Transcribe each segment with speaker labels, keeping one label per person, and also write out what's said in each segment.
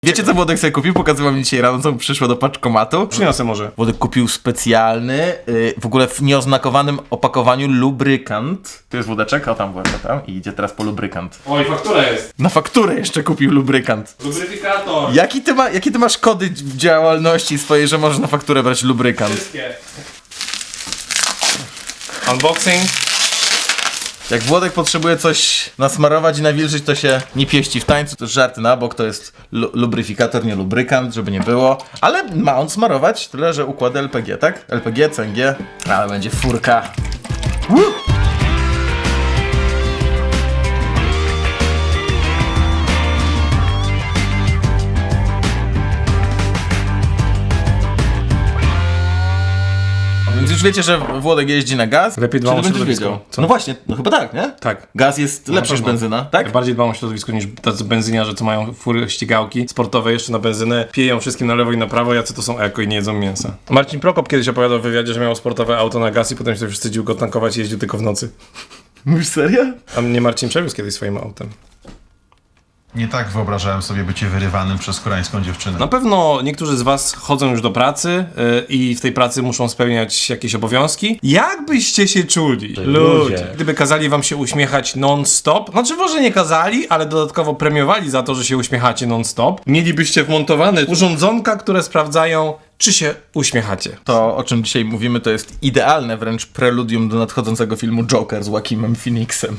Speaker 1: Wiecie co Włodek sobie kupił? Pokazywał mi dzisiaj rano, co mu przyszło do paczkomatu.
Speaker 2: Przyniosę może.
Speaker 1: Włodek kupił specjalny, w ogóle w nieoznakowanym opakowaniu lubrykant. Tu jest wódeczek, o tam Włodek, tam i idzie teraz po lubrykant.
Speaker 2: Oj, faktura jest.
Speaker 1: Na fakturę jeszcze kupił lubrykant.
Speaker 2: Lubryfikator.
Speaker 1: Jakie ty masz kody w działalności swojej, że możesz na fakturę brać lubrykant?
Speaker 2: Wszystkie. Unboxing.
Speaker 1: Jak Włodek potrzebuje coś nasmarować i nawilżyć, to się nie pieści w tańcu. To żarty na bok, to jest lubryfikator, nie lubrykant, żeby nie było. Ale ma on smarować, tyle że układy LPG, tak? LPG, CNG, ale będzie furka. Woo! Więc już wiecie, że Włodek jeździ na gaz.
Speaker 2: Lepiej dbam
Speaker 1: Czy
Speaker 2: o
Speaker 1: ty będziesz
Speaker 2: środowisko.
Speaker 1: wiedział?
Speaker 2: Co?
Speaker 1: No właśnie, no chyba tak, nie?
Speaker 2: Tak.
Speaker 1: Gaz jest lepszy niż
Speaker 2: pewno.
Speaker 1: benzyna, tak?
Speaker 2: Ja bardziej dbam o środowisko niż tacy benzyniarze, co mają fury ścigałki sportowe jeszcze na benzynę, piją wszystkim na lewo i na prawo, jacy to są eko i nie jedzą mięsa. Marcin Prokop kiedyś opowiadał w wywiadzie, że miał sportowe auto na gaz i potem się wstydził go tankować i jeździł tylko w nocy.
Speaker 1: Mówisz serio?
Speaker 2: A mnie Marcin przewiózł kiedyś swoim autem.
Speaker 3: Nie tak wyobrażałem sobie bycie wyrywanym przez koreańską dziewczynę.
Speaker 2: Na pewno niektórzy z was chodzą już do pracy i w tej pracy muszą spełniać jakieś obowiązki. Jak byście się czuli? Ludzie. Gdyby kazali wam się uśmiechać non-stop, znaczy może nie kazali, ale dodatkowo premiowali za to, że się uśmiechacie non-stop, mielibyście wmontowane urządzonka, które sprawdzają, czy się uśmiechacie.
Speaker 1: To, o czym dzisiaj mówimy, to jest idealne wręcz preludium do nadchodzącego filmu Joker z Joaquinem Phoenixem.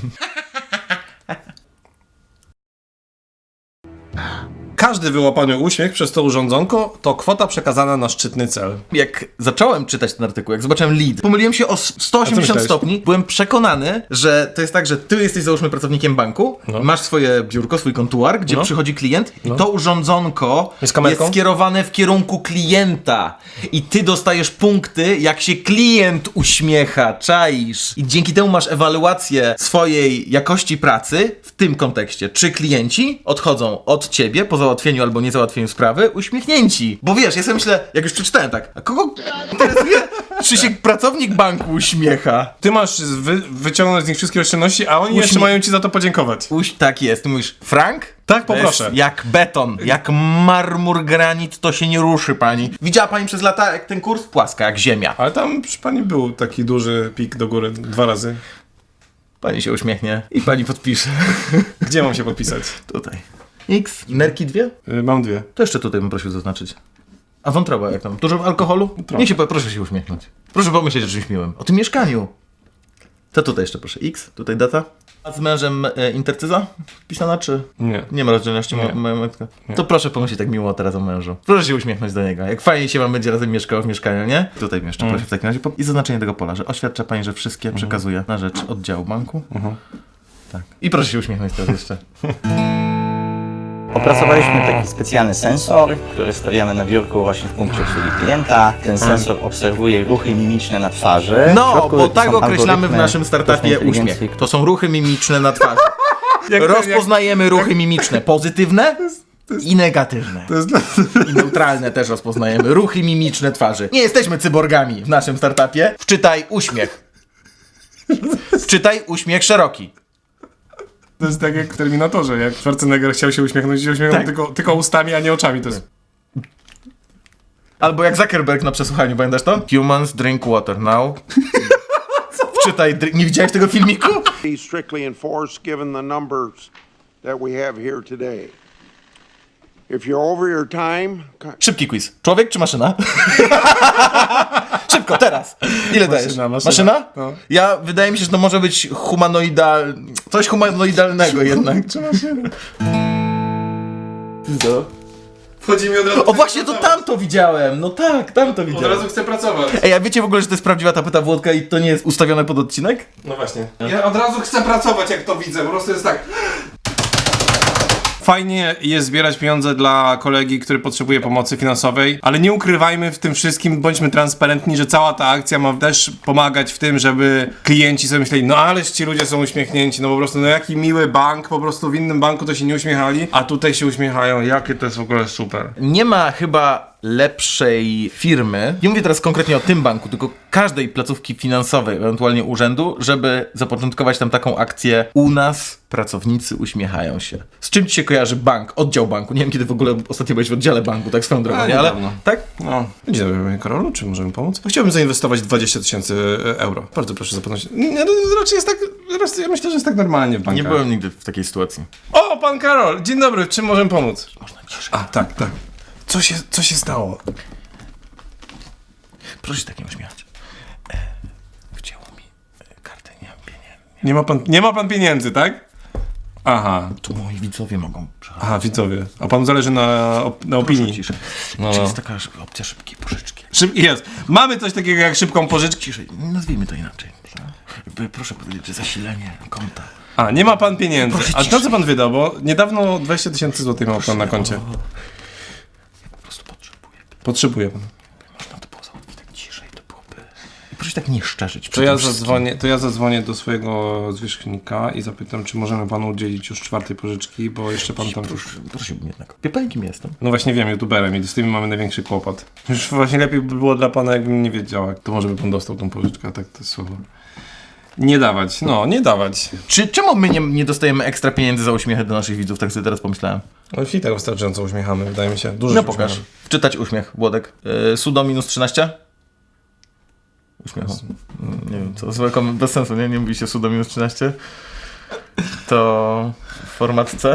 Speaker 2: Każdy wyłapany uśmiech przez to urządzonko to kwota przekazana na szczytny cel.
Speaker 1: Jak zacząłem czytać ten artykuł, jak zobaczyłem lead, pomyliłem się o 180
Speaker 2: myślałeś?
Speaker 1: stopni. Byłem przekonany, że to jest tak, że ty jesteś załóżmy pracownikiem banku, masz swoje biurko, swój kontuar, gdzie przychodzi klient i to urządzonko
Speaker 2: Z kamerką?
Speaker 1: jest skierowane w kierunku klienta. I ty dostajesz punkty, jak się klient uśmiecha, czaisz. I dzięki temu masz ewaluację swojej jakości pracy w tym kontekście. Czy klienci odchodzą od ciebie po załatwieniu albo niezałatwieniu sprawy uśmiechnięci. Bo wiesz, ja sobie myślę, jak już przeczytałem tak, a kogo interesuje, czy się pracownik banku uśmiecha?
Speaker 2: Ty masz wyciągnąć z nich wszystkie oszczędności, a oni jeszcze mają ci za to podziękować.
Speaker 1: Tak jest. Ty mówisz, Frank?
Speaker 2: Tak,
Speaker 1: To
Speaker 2: poproszę.
Speaker 1: jest jak beton, jak marmur, granit, to się nie ruszy, pani. Widziała pani przez lata, jak ten kurs? Płaska, jak ziemia.
Speaker 2: Ale tam przy pani był taki duży pik do góry 2 razy.
Speaker 1: Pani się uśmiechnie i pani podpisze.
Speaker 2: Gdzie mam się podpisać?
Speaker 1: Tutaj. X. Nerki 2?
Speaker 2: Mam 2.
Speaker 1: To jeszcze tutaj bym prosił zaznaczyć. A wątroba jak tam? Dużo alkoholu?
Speaker 2: Trochę.
Speaker 1: Proszę się uśmiechnąć. Proszę pomyśleć o czymś miłym. O tym mieszkaniu. To tutaj jeszcze proszę. X, tutaj data. A z mężem intercyza wpisana, czy?
Speaker 2: Nie.
Speaker 1: Nie ma rozdzielności
Speaker 2: Nie.
Speaker 1: majątka. To proszę pomyśleć tak miło teraz o mężu. Proszę się uśmiechnąć do niego. Jak fajnie się wam będzie razem mieszkało w mieszkaniu, nie? Tutaj jeszcze proszę w takim razie. I zaznaczenie tego pola, że oświadcza pani, że wszystkie przekazuje na rzecz oddziału banku. Tak. I proszę się uśmiechnąć teraz jeszcze.
Speaker 4: Opracowaliśmy taki specjalny sensor, który stawiamy na biurku właśnie w punkcie obsługi klienta. Ten sensor obserwuje ruchy mimiczne na twarzy. W
Speaker 1: No,
Speaker 4: środku
Speaker 1: bo tak
Speaker 4: są
Speaker 1: określamy w
Speaker 4: algorytmy
Speaker 1: naszym startupie
Speaker 4: sztucznej
Speaker 1: uśmiech.
Speaker 4: inteligencji,
Speaker 1: To są ruchy mimiczne na twarzy. Rozpoznajemy ruchy mimiczne pozytywne i negatywne.
Speaker 2: To jest dla...
Speaker 1: I neutralne też rozpoznajemy. Ruchy mimiczne twarzy. Nie jesteśmy cyborgami w naszym startupie. Wczytaj uśmiech. Wczytaj uśmiech szeroki.
Speaker 2: To jest tak jak w Terminatorze, jak Schwarzenegger chciał się uśmiechnąć i się uśmiechnął
Speaker 1: Tak.
Speaker 2: tylko ustami, a nie oczami. To jest...
Speaker 1: Albo jak Zuckerberg na przesłuchaniu, pamiętasz to? Humans drink water now. Wczytaj, nie widziałeś tego filmiku?
Speaker 5: be strictly enforced given the numbers that we have here today. If you're over your time,
Speaker 1: Szybki quiz. Człowiek czy maszyna? Szybko, teraz. Ile dajesz?
Speaker 2: Maszyna? No.
Speaker 1: Ja, wydaje mi się, że to może być coś humanoidalnego jednak. Co?
Speaker 2: Wchodzi mi od razu...
Speaker 1: O właśnie, to tam to widziałem. No tak, tam to
Speaker 2: Od
Speaker 1: widziałem.
Speaker 2: razu chcę pracować.
Speaker 1: Ej, a wiecie w ogóle, że to jest prawdziwa tapeta Włodka i to nie jest ustawione pod odcinek?
Speaker 2: No właśnie. Ja od razu chcę pracować, jak to widzę. Po prostu jest tak... Fajnie jest zbierać pieniądze dla kolegi, który potrzebuje pomocy finansowej, ale nie ukrywajmy w tym wszystkim, bądźmy transparentni, że cała ta akcja ma też pomagać w tym, żeby klienci sobie myśleli, no ależ ci ludzie są uśmiechnięci, no po prostu, no jaki miły bank, po prostu w innym banku to się nie uśmiechali, a tutaj się uśmiechają, jakie to jest w ogóle super.
Speaker 1: Nie ma chyba lepszej firmy, nie mówię teraz konkretnie o tym banku, tylko każdej placówki finansowej, ewentualnie urzędu, żeby zapoczątkować tam taką akcję u nas pracownicy uśmiechają się. Z czym ci się kojarzy bank, oddział banku? Nie wiem, kiedy w ogóle ostatnio byłeś w oddziale banku, tak swoją drogą, nie? Ale
Speaker 2: niedawno.
Speaker 1: tak?
Speaker 2: No. Dzień dobry, panie Karolu, czy możemy pomóc? Chciałbym zainwestować 20 000 euro. Bardzo proszę zapomnieć. Nie, no, raczej jest tak, ja myślę, że jest tak normalnie w bankach.
Speaker 1: Nie byłem nigdy w takiej sytuacji.
Speaker 2: O, pan Karol, dzień dobry, czym możemy pomóc?
Speaker 1: Można ciszej.
Speaker 2: A, tak. Co się stało?
Speaker 1: Proszę się tak nie uśmiechać. Wcięło mi kartę, nie mam pieniędzy.
Speaker 2: Nie ma pan pieniędzy, tak? Aha.
Speaker 1: Tu moi widzowie mogą przechodzić.
Speaker 2: Aha, widzowie. A panu zależy na opinii.
Speaker 1: Ciszej.
Speaker 2: No.
Speaker 1: Czy jest taka opcja szybkiej pożyczki?
Speaker 2: Jest. Mamy coś takiego jak szybką pożyczkę.
Speaker 1: Ciszej, nazwijmy to inaczej. Proszę powiedzieć, że zasilenie konta.
Speaker 2: A, nie ma pan pieniędzy.
Speaker 1: Proszę
Speaker 2: A
Speaker 1: ciszej.
Speaker 2: to co pan wydał? Bo niedawno 20 000 złotych miał pan na koncie.
Speaker 1: Po prostu potrzebuję.
Speaker 2: Potrzebuje pan.
Speaker 1: Można to było załatwić tak ciszej, to byłoby... I proszę tak nie szczerzyć.
Speaker 2: To ja zadzwonię do swojego zwierzchnika i zapytam, czy możemy panu udzielić już 4. pożyczki, bo jeszcze pan tam...
Speaker 1: Prosiłbym jednak. Wie pan, kim jestem?
Speaker 2: No właśnie wiem, youtuberem i z tym mamy największy kłopot. Już właśnie lepiej by było dla pana, jakbym nie wiedział, jak to może by pan dostał tą pożyczkę, a tak to jest słowo. Nie dawać, nie dawać.
Speaker 1: Czemu my nie dostajemy ekstra pieniędzy za uśmiechy do naszych widzów? Tak sobie teraz pomyślałem.
Speaker 2: No i tak wystarczająco uśmiechamy, wydaje mi się. Dużo
Speaker 1: No
Speaker 2: się
Speaker 1: pokaż.
Speaker 2: uśmiechamy.
Speaker 1: Wczytać uśmiech, Włodek. Sudo minus 13? Uśmiechu. Nie wiem, to złe bez sensu, nie? Nie mówi się sudo minus 13. To format C.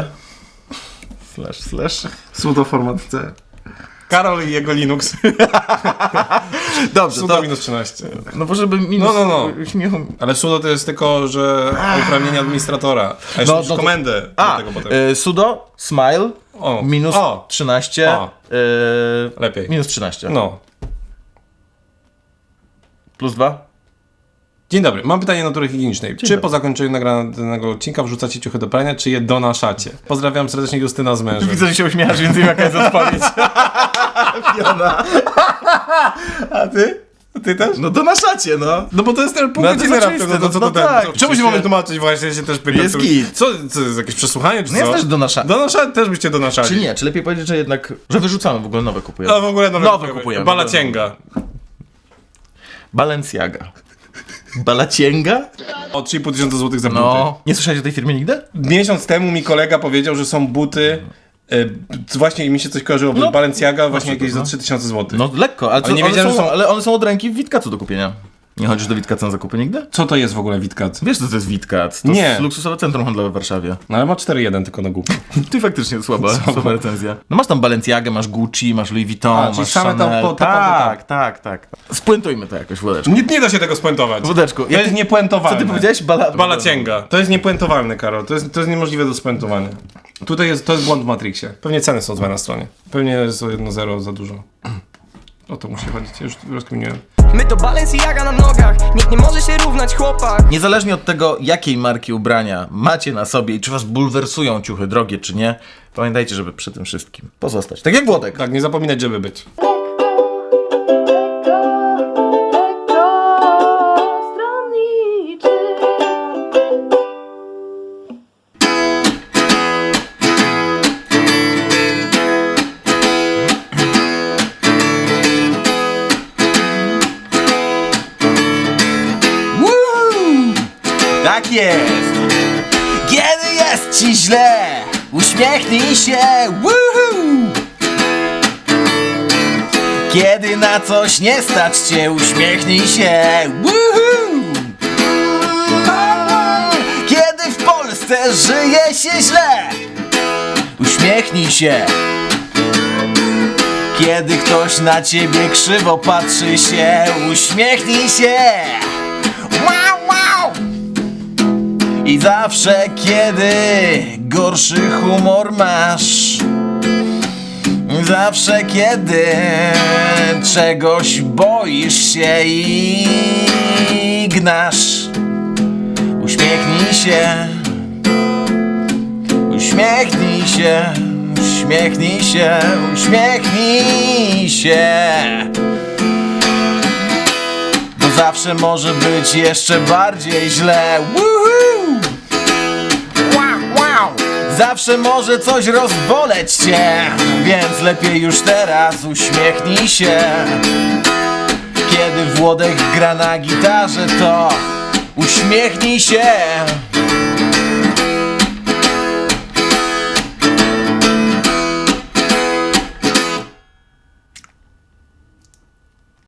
Speaker 1: //
Speaker 2: Sudo format C. Karol i jego Linux.
Speaker 1: Dobrze,
Speaker 2: Sudo
Speaker 1: to...
Speaker 2: minus 13.
Speaker 1: No bo żeby minus
Speaker 2: No.
Speaker 1: uśmiechu...
Speaker 2: Ale sudo to jest tylko, że uprawnienie administratora. A jeszcze musisz komendę do tego potem.
Speaker 1: Sudo, smile,
Speaker 2: O,
Speaker 1: minus
Speaker 2: o.
Speaker 1: 13.
Speaker 2: O. Lepiej.
Speaker 1: Minus 13.
Speaker 2: No.
Speaker 1: Plus 2.
Speaker 2: Dzień dobry, mam pytanie natury higienicznej. Czy po zakończeniu nagranego odcinka wrzucacie ciuchy do prania, czy je donaszacie? Pozdrawiam serdecznie Justyna z mężem.
Speaker 1: Widzę, że się uśmiechasz, więc wiem, jaka jest odpowiedź. Fiona.
Speaker 2: A ty? Ty też?
Speaker 1: No donaszacie, no.
Speaker 2: No bo to jest ten punkt
Speaker 1: No to
Speaker 2: widzenia
Speaker 1: jest oczywiste,
Speaker 2: co
Speaker 1: no
Speaker 2: to ten.
Speaker 1: tak,
Speaker 2: Czemu
Speaker 1: przecież-
Speaker 2: się mamy tłumaczyć właśnie, ja się też pytam.
Speaker 1: Jest
Speaker 2: to-
Speaker 1: git.
Speaker 2: Co jest jakieś przesłuchanie, czy
Speaker 1: No
Speaker 2: co?
Speaker 1: jest też donaszanie.
Speaker 2: Donaszać też byście donaszali.
Speaker 1: Czy nie? Czy lepiej powiedzieć, że jednak... Że wyrzucamy, w ogóle nowe kupujemy.
Speaker 2: No w ogóle
Speaker 1: Nowe kupujemy.
Speaker 2: Balacięga.
Speaker 1: Balenciaga. Balacięga?
Speaker 2: O 3,5 tysiąca złotych za buty.
Speaker 1: No. Nie słyszałeś o tej firmie nigdy?
Speaker 2: Miesiąc temu mi kolega powiedział, że są buty, właśnie mi się coś kojarzyło,
Speaker 1: No,
Speaker 2: Balenciaga właśnie jakieś za
Speaker 1: no.
Speaker 2: 3000 złotych.
Speaker 1: No lekko, ale,
Speaker 2: Ale nie wiedziałem, że są-
Speaker 1: ale one są od ręki w Witkacu do kupienia. Nie chodzisz do Witkaca na zakupy nigdy?
Speaker 2: Co to jest w ogóle Witkat?
Speaker 1: Wiesz, co to jest Witkac? To
Speaker 2: Nie.
Speaker 1: jest luksusowe centrum handlowe w Warszawie.
Speaker 2: No ale ma 4,1 tylko na głupie.
Speaker 1: Ty faktycznie słaba recenzja. No masz tam Balenciagę, masz Gucci, masz Louis Vuitton,
Speaker 2: A, czyli
Speaker 1: masz
Speaker 2: same tam
Speaker 1: Chanel.
Speaker 2: po-
Speaker 1: Tak. Spuentujmy to jakoś, Włodeczku.
Speaker 2: Nie da się tego spuentować.
Speaker 1: Włodeczku,
Speaker 2: To jest niepuentowalne.
Speaker 1: Co ty powiedziałeś?
Speaker 2: Balacięga. To jest niepuentowalne, Karol. To jest niemożliwe do spuentowania. Tutaj to jest błąd w Matrixie. Pewnie ceny są złe na stronie. Pewnie jest o 1,0 za dużo. O to musi chodzić. Ja już rozkminiłem.
Speaker 6: My to Balenciaga na nogach, nikt nie może się równać, chłopak.
Speaker 1: Niezależnie od tego, jakiej marki ubrania macie na sobie i czy was bulwersują ciuchy drogie, czy nie, pamiętajcie, żeby przy tym wszystkim pozostać. Tak jak Włodek.
Speaker 2: Tak, nie zapominać, żeby być.
Speaker 1: Tak jest! Kiedy jest ci źle, uśmiechnij się, woohoo! Kiedy na coś nie stać cię, uśmiechnij się, woohoo! Kiedy w Polsce żyje się źle, uśmiechnij się. Kiedy ktoś na ciebie krzywo patrzy się, uśmiechnij się. Wow! I zawsze, kiedy gorszy humor masz, zawsze, kiedy czegoś boisz się i gnasz, uśmiechnij się, uśmiechnij się, uśmiechnij się, uśmiechnij się. Bo zawsze może być jeszcze bardziej źle. Woohoo! Wow! zawsze może coś rozboleć cię, więc lepiej już teraz uśmiechnij się. Kiedy Włodek gra na gitarze, to uśmiechnij się.